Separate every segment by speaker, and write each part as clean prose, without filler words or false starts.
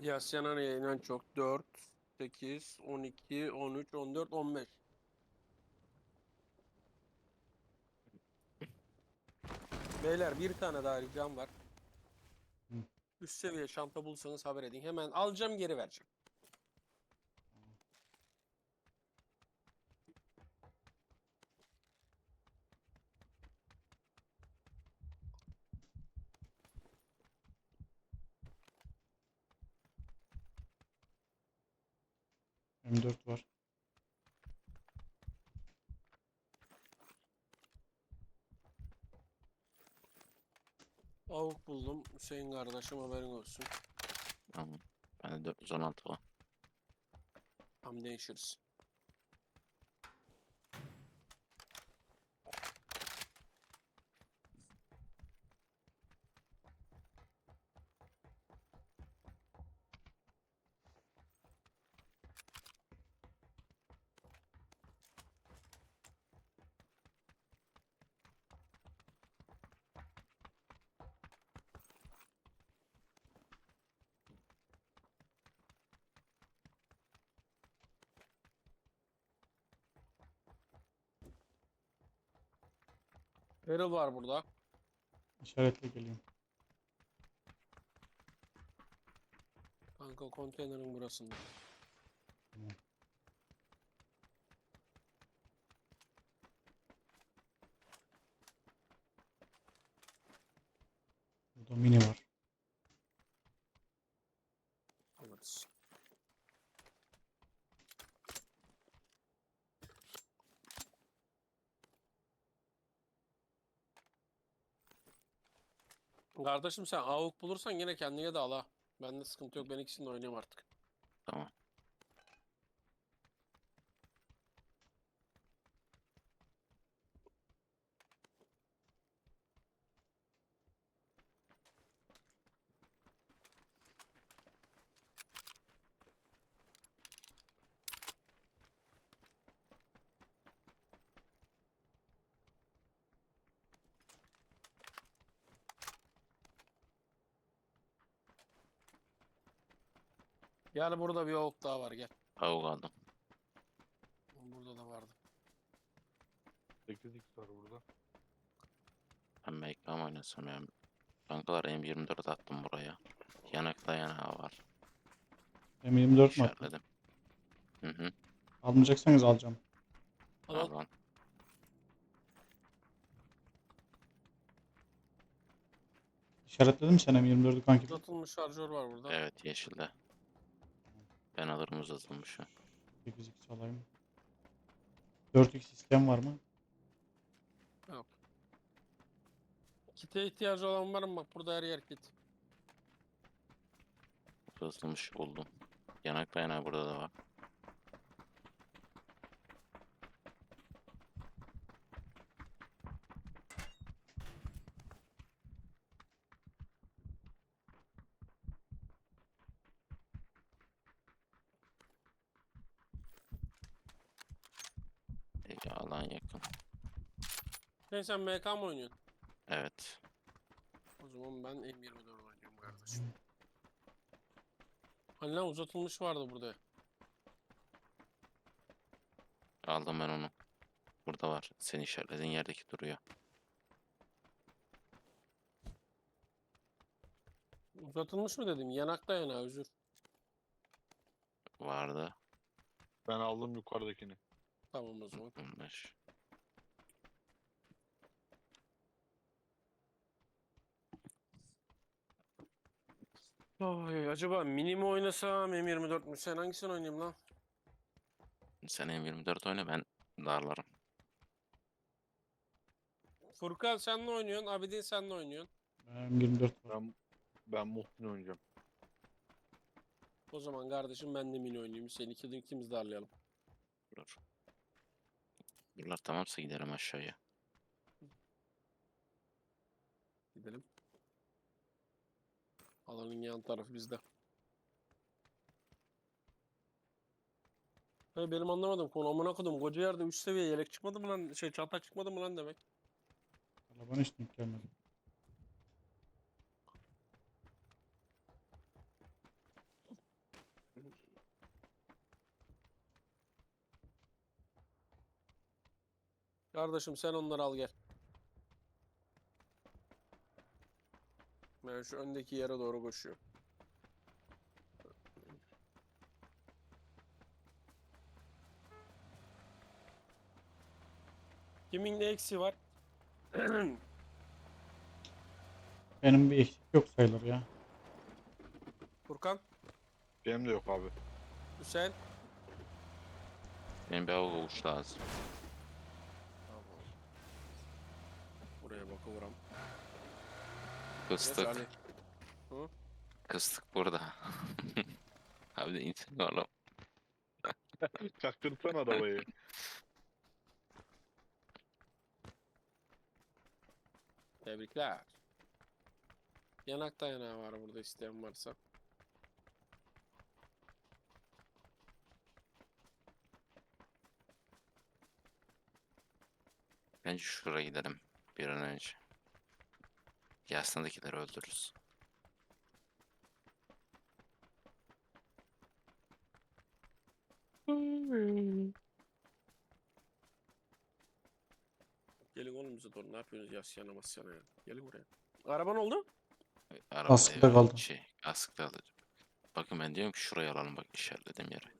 Speaker 1: Yasyana en çok 4, 8, 12, 13, 14, 15. Beyler bir tane daha ricam var.
Speaker 2: Hı.
Speaker 1: Üst seviye çanta bulsanız haber edin. Hemen alacağım, geri vereceğim.
Speaker 2: M4 var.
Speaker 1: Avuk buldum. Hüseyin kardeşim, haberin olsun.
Speaker 3: Tamam. Bende 416 var.
Speaker 1: Tam değişiriz. Erol var burada.
Speaker 2: İşaretle geliyorum.
Speaker 1: Kanka konteynerin burasında.
Speaker 2: Tamam. Burada mini var.
Speaker 1: Alırız. Kardeşim sen avuk bulursan yine kendine de al ha. Bende sıkıntı yok. Ben ikisini de oynayayım artık.
Speaker 3: Tamam.
Speaker 1: Yani burada bir avuk daha var, gel.
Speaker 3: Avuk aldım.
Speaker 1: Burada da vardı.
Speaker 4: 8x var burada.
Speaker 3: Ben MK mı oynasam ya? Kankalar M24 attım buraya. Yanak dayanağı var.
Speaker 2: M24 mu attın?
Speaker 3: İşaretledim. Hı hı.
Speaker 2: Almayacaksanız alacağım.
Speaker 1: Al al.
Speaker 3: Al lan.
Speaker 2: İşaretledin mi sen M24'ü kanki?
Speaker 1: Uzatılmış şarjör var burada.
Speaker 3: Evet, yeşilde. Ben alırım uzatılmışı.
Speaker 2: 8x alayım. 4x isteyen var mı?
Speaker 1: Yok. Kite ihtiyacı olan var mı? Bak burada her yer kit.
Speaker 3: Uzatılmış buldum. Yanak dayanağı burada da var. Alan yakın.
Speaker 1: Sen MK mı oynuyorsun?
Speaker 3: Evet.
Speaker 1: O zaman ben M24 oynuyorum kardeşim. Hani lan uzatılmış vardı burada.
Speaker 3: Aldım ben onu. Burada var. Senin işaretlediğin yerdeki duruyor.
Speaker 1: Uzatılmış mı dedim? Yanakta yana, özür.
Speaker 3: Vardı.
Speaker 4: Ben aldım yukarıdakini.
Speaker 1: Tamam o zaman.
Speaker 3: 15.
Speaker 1: Oy, acaba mini mi oynasam M24 mü? Sen hangisini oynayayım lan?
Speaker 3: Sen M24 oyna, ben darlarım.
Speaker 1: Furkan sen ne oynuyorsun? Abidin sen ne oynuyorsun?
Speaker 2: M24 var.
Speaker 4: Ben Muhsin oynayacağım.
Speaker 1: O zaman kardeşim ben de mini oynayayım. Seni ikimiz darlayalım.
Speaker 3: Dur. Buralar tamamsa giderim aşağıya.
Speaker 1: Gidelim. Alanın yan tarafı bizde. Ha, benim anlamadım konu, amına kodum. Koca yerde 3 seviye yelek çıkmadı mı lan? Çanta çıkmadı mı lan demek?
Speaker 2: Valla bana hiç denk gelmedi.
Speaker 1: Kardeşim sen onları al gel. Ben şu öndeki yere doğru koşuyorum. Kimin ne eksiği var?
Speaker 2: Benim bir eksik yok sayılır ya.
Speaker 1: Furkan,
Speaker 4: Benim de yok abi.
Speaker 1: Hüseyin.
Speaker 3: Benim bir av oluş lazım.
Speaker 1: Buraya bakıyorum. Geç
Speaker 3: Kıstık.
Speaker 1: Ali. Hı?
Speaker 3: Kıstık burada. Abi de insin oğlum.
Speaker 4: Çaktırsan arabayı.
Speaker 1: Tebrikler. Yanak dayanağı var burada isteyen varsa.
Speaker 3: Bence şuraya gidelim bir an önce. Yasnadakileri öldürürüz.
Speaker 1: Gelin oğlum bize doğru. Ne yapıyorsunuz yasyana masyana ya? Gelin buraya. Araba ne oldu?
Speaker 3: Arabada
Speaker 2: Askıda
Speaker 3: ya,
Speaker 2: kaldı.
Speaker 3: askıda kaldı. Bakın ben diyorum ki şuraya alalım bak işaretlediğim yere.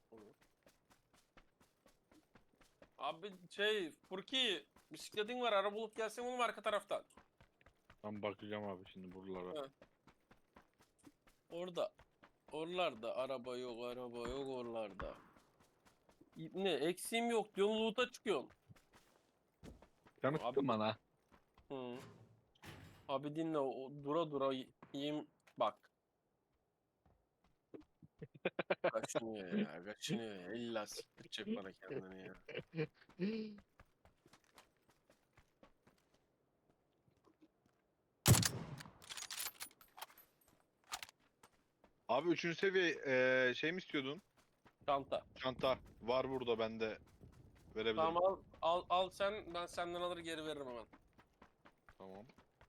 Speaker 1: Abi Furki bisikletin var. Araba bulup gelsen oğlum arka taraftan.
Speaker 4: Ben bakacağım abi şimdi buralara.
Speaker 1: Ha. Orada. Oralarda araba yok oralarda. Ne eksiğim yok diyorsun loot'a çıkıyorsun.
Speaker 4: Canı
Speaker 1: Abi-
Speaker 4: sıktın bana.
Speaker 1: Hı. Abi dinle dura dura yiyeyim bak. Kaçınıyor ya kaçınıyor ya. İlla siktirecek bana kendini ya.
Speaker 4: Abi 3. seviye şey mi istiyordun?
Speaker 1: Çanta.
Speaker 4: Çanta var burada bende. Verebilirim.
Speaker 1: Tamam al sen ben senden alır geri veririm hemen.
Speaker 4: Tamam.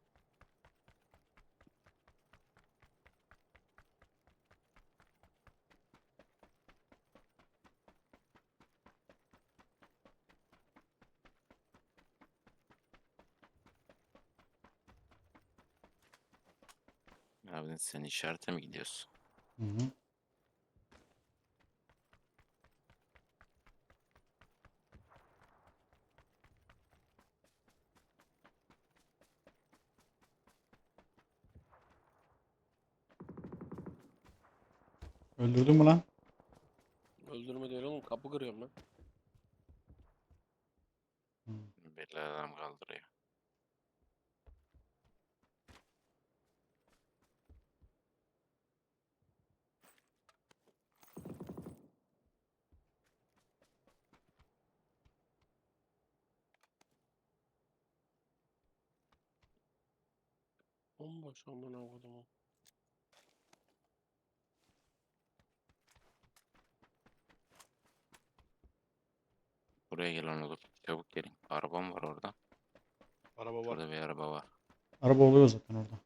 Speaker 3: Abi sen işarete mi gidiyorsun?
Speaker 2: Hı hı. Öldürdün mü lan?
Speaker 1: Öldürme değil oğlum kapı kırıyorum ben.
Speaker 2: Hı.
Speaker 3: Belli adam kaldırıyor.
Speaker 1: Bomboş amına kodumu.
Speaker 3: Buraya gelen olur. Çabuk gelin. Arabam var orada.
Speaker 4: Araba var.
Speaker 3: Şurada bir araba var.
Speaker 2: Araba oluyor zaten orada.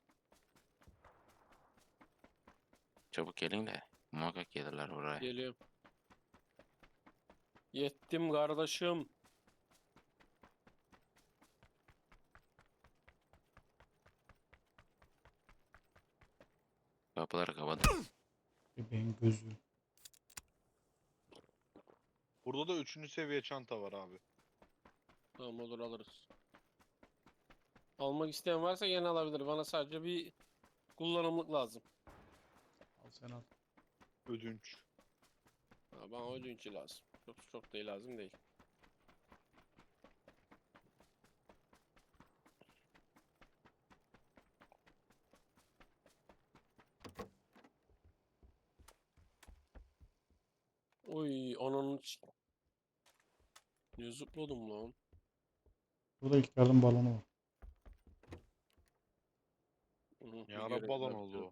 Speaker 3: Çabuk gelin de muhakkak gelirler buraya.
Speaker 1: Geliyorum. Yettim kardeşim.
Speaker 3: Kapıları kapadım.
Speaker 2: Bebeğin gözü.
Speaker 4: Burada da 3. seviye çanta var abi.
Speaker 1: Tamam olur alırız. Almak isteyen varsa gene alabilir. Bana sadece bir kullanımlık lazım.
Speaker 2: Al sen al.
Speaker 4: Ödünç.
Speaker 1: Ha, bana ödünçü lazım. Çok değil lazım değil. Oy ananı ne zıpladım lan.
Speaker 2: Burada ilk yardım balonu var.
Speaker 1: Hı,
Speaker 4: Ne
Speaker 1: bir
Speaker 4: ara
Speaker 1: görev
Speaker 4: balon
Speaker 1: daha
Speaker 4: oldu
Speaker 1: bitiyor.
Speaker 4: o.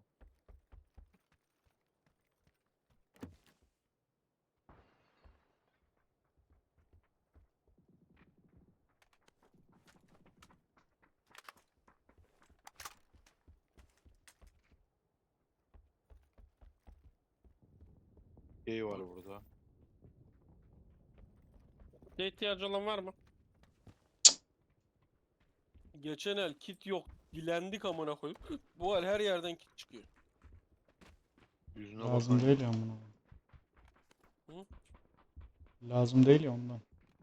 Speaker 4: Şey var burada.
Speaker 1: Ne ihtiyacı olan var mı? Geçen el kit yok. Dilendik amına koyup. Bu el her yerden kit çıkıyor.
Speaker 4: Yüzüne
Speaker 2: Lazım
Speaker 4: bakan
Speaker 2: değil ya buna.
Speaker 1: Hı?
Speaker 2: Lazım değil ya ondan.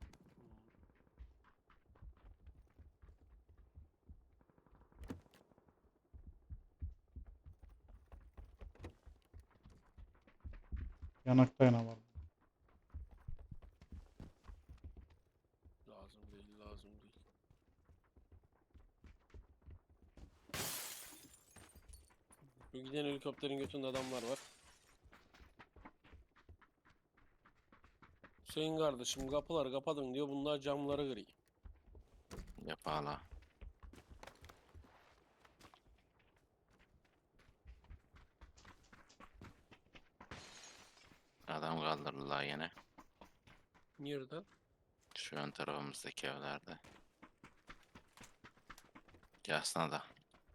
Speaker 2: Yanakta yana var.
Speaker 1: Lazım değil, lazım değil. Şu giden helikopterin götünde adamlar var. Hüseyin kardeşim kapıları kapadın diyor. Bunlar camları kırıyor.
Speaker 3: Yap hala. Adam kaldırdılar yine.
Speaker 1: Nereden?
Speaker 3: Şu ön tarafımızdaki evlerde. Yasna da.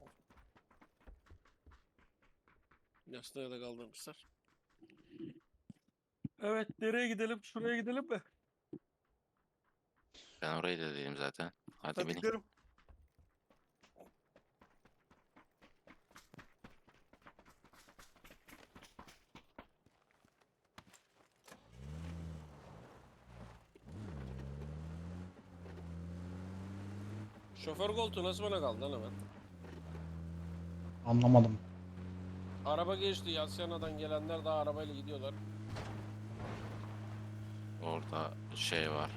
Speaker 1: Yastığı da kaldırmışlar. Evet, nereye gidelim? Şuraya gidelim mi?
Speaker 3: Ben orayı da dedim zaten. Hadi binin.
Speaker 1: gidelim. Şoför koltuğu nasıl bana kaldı lan hemen?
Speaker 2: Anlamadım.
Speaker 1: Araba geçti. Yasyana'dan gelenler daha arabayla gidiyorlar.
Speaker 3: Orada şey var.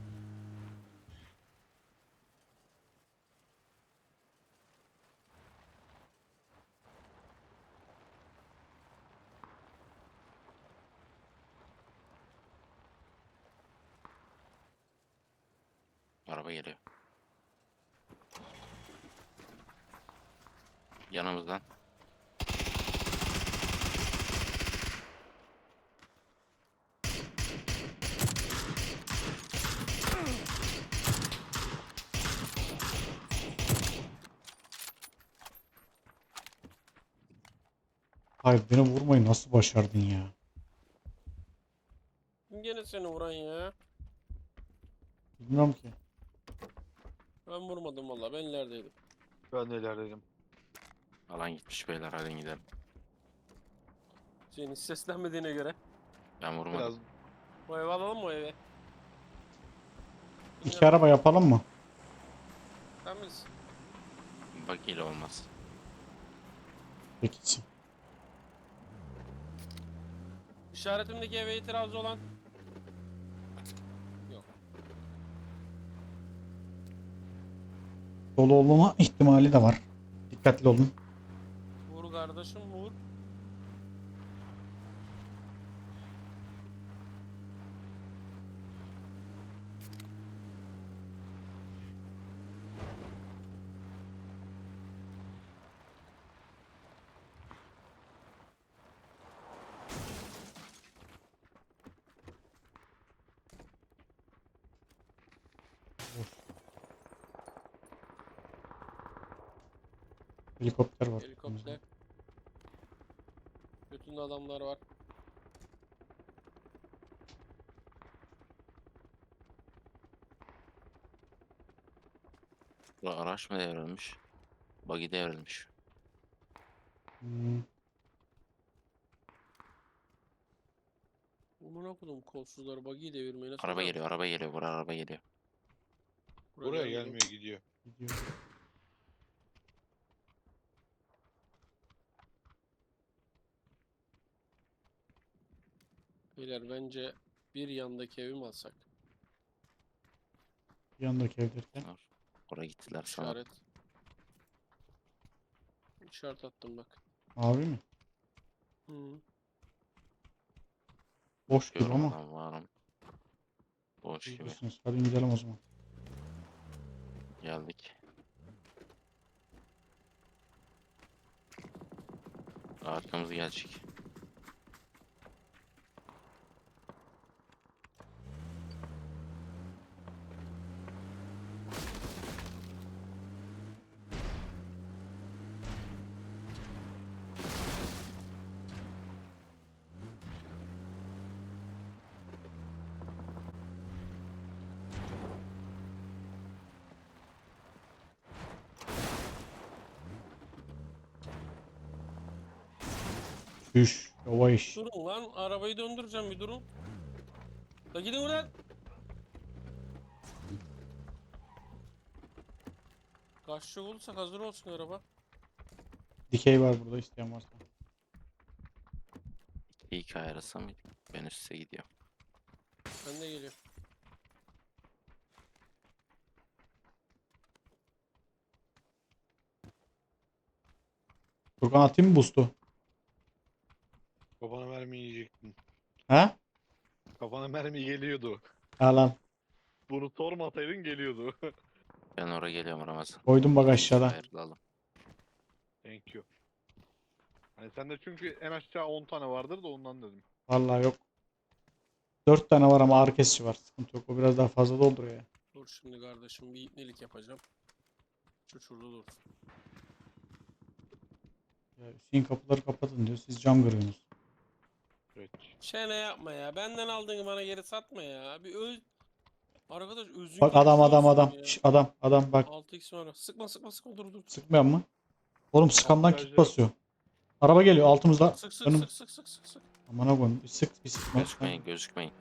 Speaker 3: Araba geliyor. Yanımızdan.
Speaker 2: Hayır beni vurmayı nasıl başardın ya?
Speaker 1: Kim gene seni vuran ya?
Speaker 2: Bilmiyorum ki.
Speaker 1: Ben vurmadım valla. Ben ilerideydim.
Speaker 4: ben neler dedim.
Speaker 3: Alan gitmiş beyler, hadi gidelim.
Speaker 1: Senin hiç seslenmediğine göre.
Speaker 3: Ben vurmadım.
Speaker 4: Biraz
Speaker 1: O evi alalım mı o eve?
Speaker 2: İki araba yapalım mı?
Speaker 1: Sen bilirsin.
Speaker 3: Bak ile olmaz.
Speaker 2: Peki.
Speaker 1: İşaretimdeki eve itirazı olan. Yok.
Speaker 2: Dolu olma ihtimali de var. Dikkatli olun.
Speaker 1: Vur kardeşim vur.
Speaker 2: Helikopter var.
Speaker 1: Helikopter. Bütün adamlar var.
Speaker 3: Bu araç mı devrilmiş? Buggy devrilmiş.
Speaker 2: Hmm.
Speaker 1: Amına kodum kolsuzları buggy'i devirmeyi nasıl
Speaker 3: Araba
Speaker 1: bırak-
Speaker 3: geliyor, araba geliyor. Buraya araba geliyor.
Speaker 4: buraya
Speaker 1: gelmedi.
Speaker 4: gelmeye gidiyor.
Speaker 2: Gidiyor.
Speaker 1: Beyler bence bir yandaki evi mi alsak?
Speaker 2: Yandaki evlerken.
Speaker 3: Dur. Oraya gittiler sana.
Speaker 1: İşaret. İşaret attım bak.
Speaker 2: Abi mi?
Speaker 1: Hı.
Speaker 2: Boş gibi ama.
Speaker 3: Görmeden varım. Boş gibi.
Speaker 2: Biliyorsunuz. Hadi gidelim o zaman.
Speaker 3: Geldik. Arkamız gelecek.
Speaker 2: Düş. Yavaş.
Speaker 1: Durun lan arabayı döndüreceğim bir durun. Da gidin ulan. Kaçacak olursak hazır olsun araba.
Speaker 2: Dikey var burada isteyen varsa.
Speaker 3: İlk ayarlasam mıydı? Ben üste gidiyorum.
Speaker 1: Ben de geliyorum.
Speaker 2: Furkan atayım mı boost'u?
Speaker 4: Kafana mermi yiyecektin.
Speaker 2: He?
Speaker 4: Kafana mermi geliyordu.
Speaker 2: Al al.
Speaker 4: Bunu sormasaydın geliyordu.
Speaker 3: Ben oraya geliyorum Ramazan.
Speaker 2: Koydum bak
Speaker 3: İlk
Speaker 2: aşağıda.
Speaker 3: ayarlayalım.
Speaker 4: Thank you. Hani sende çünkü en aşağı 10 tane vardır da ondan dedim.
Speaker 2: Vallahi yok. 4 tane var ama ağrı kesici var. Sıkıntı yok. O biraz daha fazla dolduruyor ya.
Speaker 1: Dur şimdi kardeşim bir ipnelik yapacağım. Şu şurada dur.
Speaker 2: Ya Hüseyin kapıları kapatın diyor. Siz cam kırıyorsunuz.
Speaker 4: Evet.
Speaker 1: Çene yapma ya. Benden aldığını bana geri satma ya. Bir öz... Arkadaş özün
Speaker 2: Bak
Speaker 1: gelişi
Speaker 2: adam
Speaker 1: olsun ya.
Speaker 2: Şş, adam bak.
Speaker 1: 6x var. Sıkma dur.
Speaker 2: Sıkmayan mı? Oğlum sıkandan kit
Speaker 4: Kamuflajı-
Speaker 2: basıyor. Araba geliyor altımızda.
Speaker 1: Sık
Speaker 2: Önüm.
Speaker 1: sık.
Speaker 2: Aman koyayım. Bir sık bir sıkma.
Speaker 3: Gözükmeyin gözükmeyin.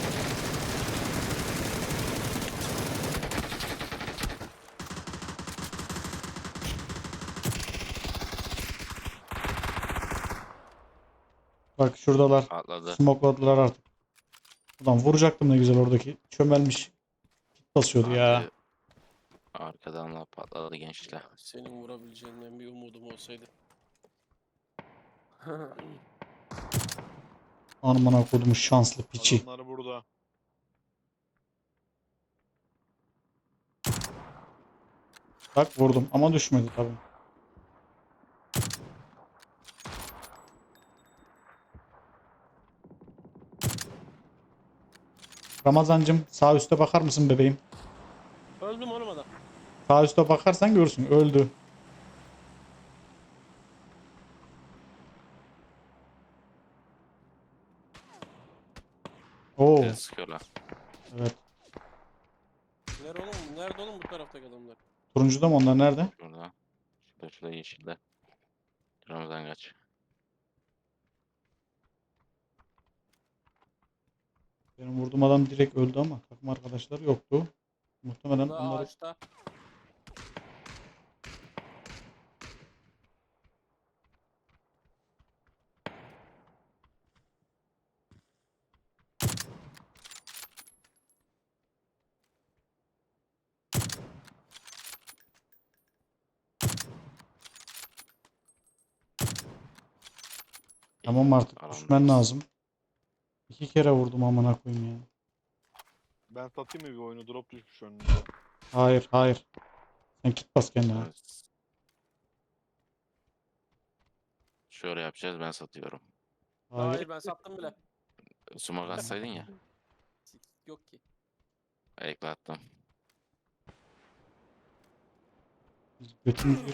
Speaker 2: Bak şuradalar.
Speaker 3: Atladı.
Speaker 2: Smokladılar artık. Ulan vuracaktım ne güzel oradaki. Çömelmiş. Kit basıyordu ya.
Speaker 3: Arkayı- Arkadan da patladı gençler.
Speaker 1: Senin vurabileceğinden bir umudum olsaydı.
Speaker 2: Anamına kodumu şanslı piçi.
Speaker 4: Adamlar burada.
Speaker 2: Bak vurdum ama düşmedi tabii. Ramazancım sağ üste bakar mısın bebeğim?
Speaker 1: Öldüm oğlum adam.
Speaker 2: Sağ üste bakarsan görürsün. Öldü. Oo,
Speaker 3: Bizi sıkıyorlar.
Speaker 2: evet.
Speaker 1: Nerede oğlum bu taraftaki adamlar?
Speaker 2: Turuncuda mı onlar nerede?
Speaker 3: Şurada. Şurada yeşilde. Ramazan kaç.
Speaker 2: Benim vurduğum adam direkt öldü ama takım arkadaşları yoktu. Muhtemelen
Speaker 1: Burada
Speaker 2: onları
Speaker 1: ağaçta.
Speaker 2: tamam artık
Speaker 3: Alandayız.
Speaker 2: düşmen lazım. 2 kere vurdum amına koyayım ya.
Speaker 4: Ben satayım mı bir oyunu? Drop düşmüş önünde.
Speaker 2: Hayır. Sen kit bas kendine.
Speaker 3: Evet. Şöyle yapacağız ben satıyorum.
Speaker 1: Hayır ben sattım bile.
Speaker 3: Sumak atsaydın ya.
Speaker 1: Yok ki.
Speaker 3: Ekle attım.
Speaker 2: Biz götümüzü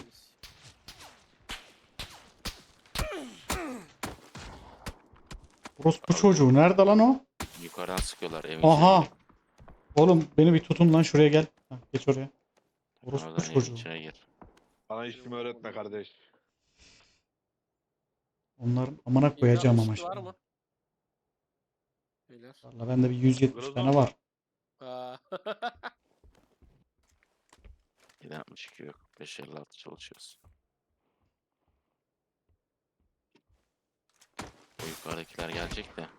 Speaker 2: Orospu çocuğu nerede lan o?
Speaker 3: Yukarıdan sıkıyorlar evin
Speaker 2: Aha.
Speaker 3: içine.
Speaker 2: Oğlum beni bir tutun lan şuraya gel. Heh, geç oraya. Orospu
Speaker 3: Ramazan evin
Speaker 2: çocuğu.
Speaker 3: içine gir.
Speaker 4: Bana işimi öğretme kardeş.
Speaker 2: Onların amına koyacağım ama
Speaker 1: 762 var
Speaker 2: şimdi.
Speaker 1: mı? Beyler.
Speaker 2: Valla bende bir 170
Speaker 4: Biraz
Speaker 2: tane
Speaker 4: daha
Speaker 2: var.
Speaker 1: Aa.
Speaker 3: 762 yok. 556 çalışıyoruz. O yukarıdakiler gelecek de.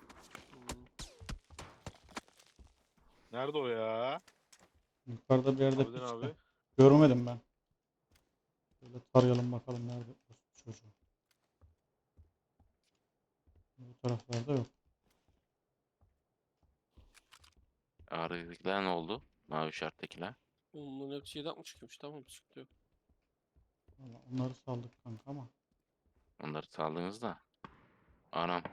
Speaker 4: Nerede o ya?
Speaker 2: Yukarıda bir yerde
Speaker 4: Abiden
Speaker 2: piç
Speaker 4: abi.
Speaker 2: de. Görmedim ben. Böyle tarayalım bakalım nerede orospu çocuğu. Bu taraflarda yok.
Speaker 3: Ağrıdakiler ne oldu? Mavi işarettekiler.
Speaker 1: Bunların hepsi 762'ymiş tamam sıkıntı yok.
Speaker 2: Valla onları saldık kanka ama.
Speaker 3: Onları saldınız da. Anam.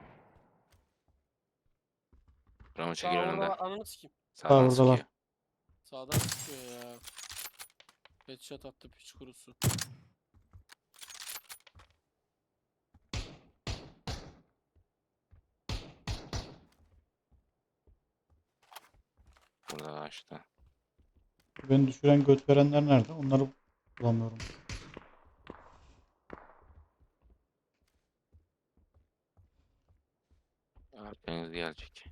Speaker 3: Ramo çekil
Speaker 1: Sağ orada
Speaker 3: önümden.
Speaker 1: var ananı sikeyim.
Speaker 3: Sağdan
Speaker 2: buradalar.
Speaker 3: sıkıyor.
Speaker 1: Sağdan sıkıyor ya. Headshot attı piç kurusu.
Speaker 3: Burada açtı.
Speaker 2: Beni düşüren göt verenler nerede? Onları bulamıyorum.
Speaker 3: Arkanız gelecek.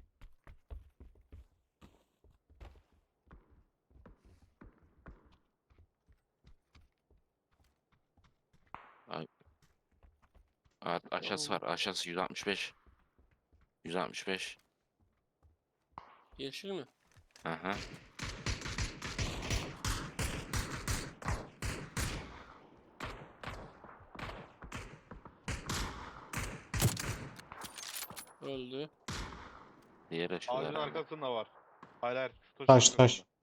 Speaker 3: Ay. Aşağısı var. Aşağısı 165. 165.
Speaker 1: Yeşil mi?
Speaker 3: Aha.
Speaker 1: Öldü.
Speaker 3: Diğer
Speaker 4: Ağacın
Speaker 3: aşağıda.
Speaker 4: arkasında var. Hayır hayır. Şu
Speaker 2: Taş,
Speaker 4: taşın
Speaker 2: taş.
Speaker 4: arkasında.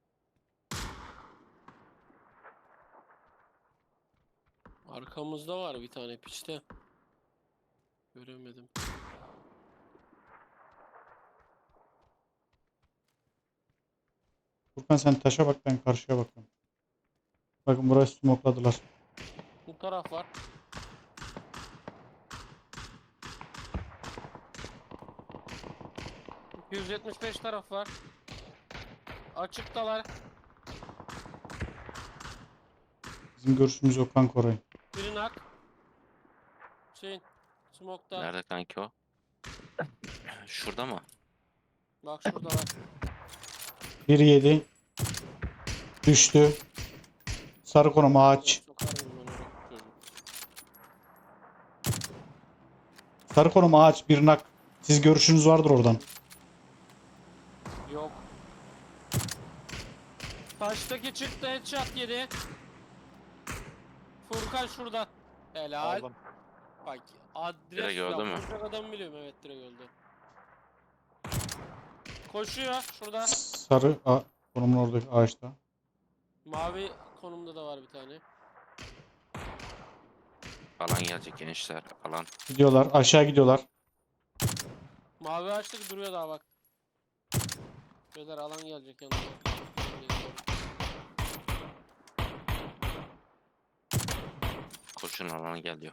Speaker 1: Arkamızda var bir tane piçte. Göremedim.
Speaker 2: Furkan sen taşa bak, ben karşıya bakıyorum. Bakın burayı smokladılar.
Speaker 1: Bu taraf var. ...275 taraf var. Açıktalar.
Speaker 2: Bizim görüşümüz yok kanka orayı.
Speaker 1: Biri nak. Hüseyin. Smoke'ta.
Speaker 3: Nerede kanki o? Şurada mı?
Speaker 1: Bak şurada var.
Speaker 2: 1-7. Düştü. Sarı konum ağaç.
Speaker 1: Sokarım ben oraya çocuğu.
Speaker 2: Sarı konum ağaç, bir nak. Siz görüşünüz vardır oradan.
Speaker 1: Yok. Taştaki çıktı, headshot yedi. Furkan şurada. Helal.
Speaker 4: Aldım.
Speaker 1: Bak adres
Speaker 3: Direkt öldü mü?
Speaker 1: Vuracak adam biliyorum, evet direkt öldü. Koşuyor şurada.
Speaker 2: Sarı konumun oradaki ağaçta.
Speaker 1: Mavi konumda da var bir tane.
Speaker 3: Alan gelecek gençler. Alan.
Speaker 2: Gidiyorlar. Aşağı gidiyorlar.
Speaker 1: Mavi ağaçtaki duruyor daha bak. Beyler alan gelecek yanına.
Speaker 3: Koşun alan geliyor.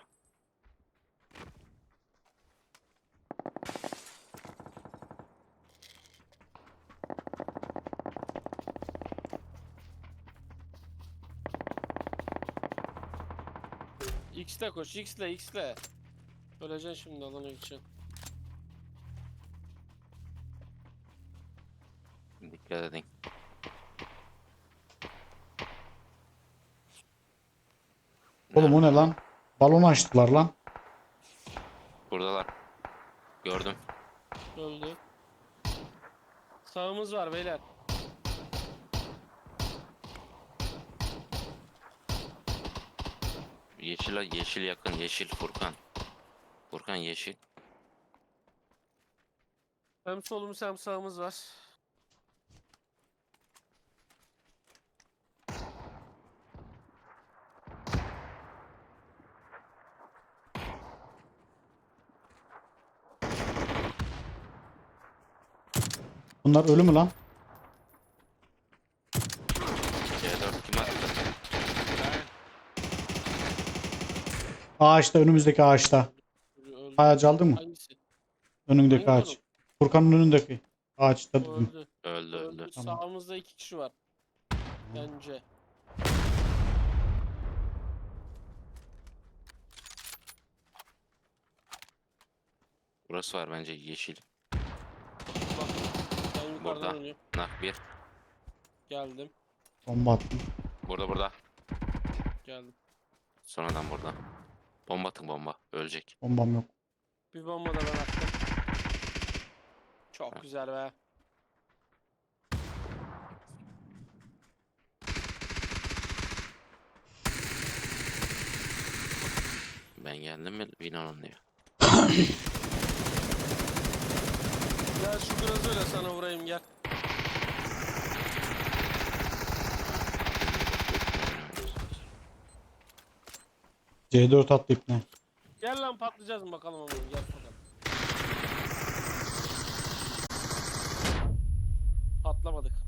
Speaker 1: X'le koş, X'le, X'le. Öleceksin şimdi alana gideceksin.
Speaker 3: Dikkat edin.
Speaker 2: Oğlum o ne lan? Balon açtılar lan.
Speaker 3: Buradalar. Gördüm.
Speaker 1: Öldü. Sağımız var beyler.
Speaker 3: Yeşil, yeşil yakın. Yeşil Furkan. Furkan yeşil.
Speaker 1: Hem solumuz hem sağımız var.
Speaker 2: Bunlar ölü mü lan?
Speaker 3: C4 kim attı?
Speaker 2: Ağaçta, önümüzdeki ağaçta.
Speaker 1: Öldü.
Speaker 2: Ağacı aldın mı?
Speaker 1: Hangisi?
Speaker 2: Önündeki
Speaker 1: Hangi
Speaker 2: ağaç.
Speaker 1: konum?
Speaker 2: Furkan'ın önündeki ağaçta
Speaker 1: O
Speaker 2: dedim.
Speaker 1: öldü.
Speaker 3: Öldü öldü.
Speaker 2: Tamam.
Speaker 1: Sağımızda 2 kişi var. Bence.
Speaker 3: Burası var bence yeşil.
Speaker 1: Bak. Ben yukarıdan
Speaker 3: Burada.
Speaker 1: oynuyorum.
Speaker 3: Nak bir.
Speaker 1: Geldim.
Speaker 2: Bomba attım.
Speaker 3: Burada.
Speaker 1: Geldim.
Speaker 3: Sonradan burada. Bomba atın bomba. Ölecek.
Speaker 2: Bombam yok.
Speaker 1: Bir bomba da ben attım. Çok güzel be.
Speaker 3: Ben geldim mi? Binanın diyor.
Speaker 1: Gel şu biraz öyle sana vurayım gel.
Speaker 2: C4 attı ipne.
Speaker 1: Gel lan patlayacağız mı bakalım ama gel bakalım. Patlamadık.